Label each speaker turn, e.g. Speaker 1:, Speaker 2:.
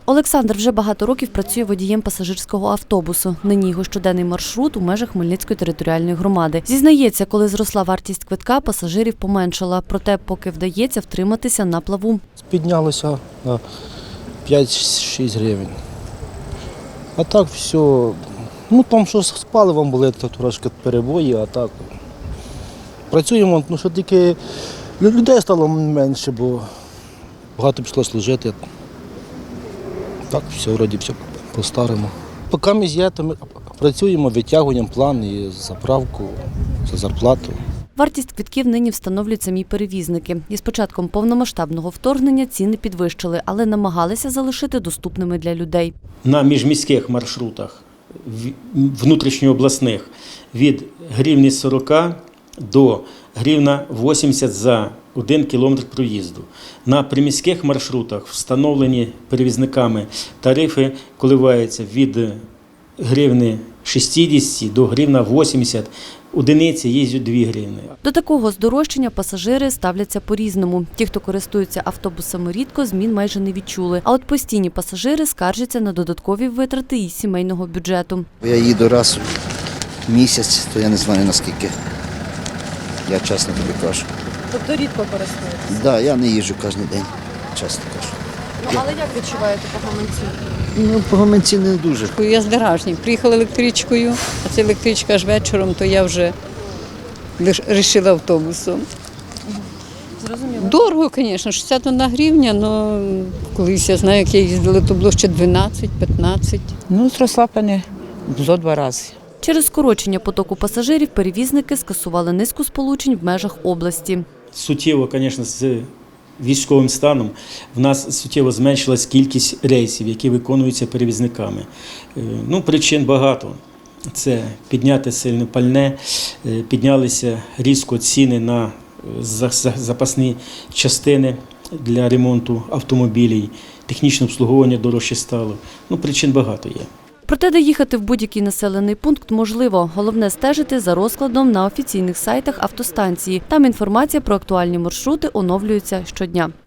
Speaker 1: Олександр вже багато років працює водієм пасажирського автобусу. Нині його щоденний маршрут у межах Хмельницької територіальної громади. Зізнається, коли зросла вартість квитка, пасажирів поменшала. Проте, поки вдається втриматися на плаву.
Speaker 2: Піднялося на 5-6 гривень. А так все, там що з паливом були, то трошки перебої, а так працюємо, що тільки людей стало менше, бо багато пішло служити. Так, все, вроді все по-старому. Поки ми є, то ми працюємо, витягуємо план і заправку, за зарплату.
Speaker 1: Вартість квитків нині встановлюють самі перевізники. І з початком повномасштабного вторгнення ціни підвищили, але намагалися залишити доступними для людей.
Speaker 3: На міжміських маршрутах, внутрішньообласних, від гривні 40 до гривна 80 за 1 кілометр проїзду. На приміських маршрутах встановлені перевізниками тарифи коливаються від гривни 60 до гривна 80, одиниці їздять 2 гривни.
Speaker 1: До такого здорожчання пасажири ставляться по-різному. Ті, хто користуються автобусами рідко, змін майже не відчули. А от постійні пасажири скаржаться на додаткові витрати із сімейного бюджету.
Speaker 4: Я їду раз в місяць, то я не знаю наскільки. Я чесно тобі кажу.
Speaker 1: Тобто рідко користуєтеся?
Speaker 4: Так, я не їжджу кожен день, чесно кажу.
Speaker 1: Але як відчуваєте по гаманці?
Speaker 4: По гаманці не дуже.
Speaker 5: Я з Деражні. Приїхала електричкою, а це електричка аж вечором, то я вже вирішила автобусом.
Speaker 1: Зрозуміло.
Speaker 5: Дорого, звісно, 61 гривня, але колись я знаю, як я їздила, то було ще 12-15.
Speaker 6: Зросла, пане, зо 2 рази.
Speaker 1: Через скорочення потоку пасажирів перевізники скасували низку сполучень в межах області.
Speaker 3: Суттєво, звісно, з військовим станом в нас суттєво зменшилась кількість рейсів, які виконуються перевізниками. Причин багато. Це підняте сильне пальне, піднялися різко ціни на запасні частини для ремонту автомобілів, технічне обслуговування дорожче стало. Причин багато є.
Speaker 1: Проте доїхати в будь-який населений пункт можливо. Головне – стежити за розкладом на офіційних сайтах автостанції. Там інформація про актуальні маршрути оновлюється щодня.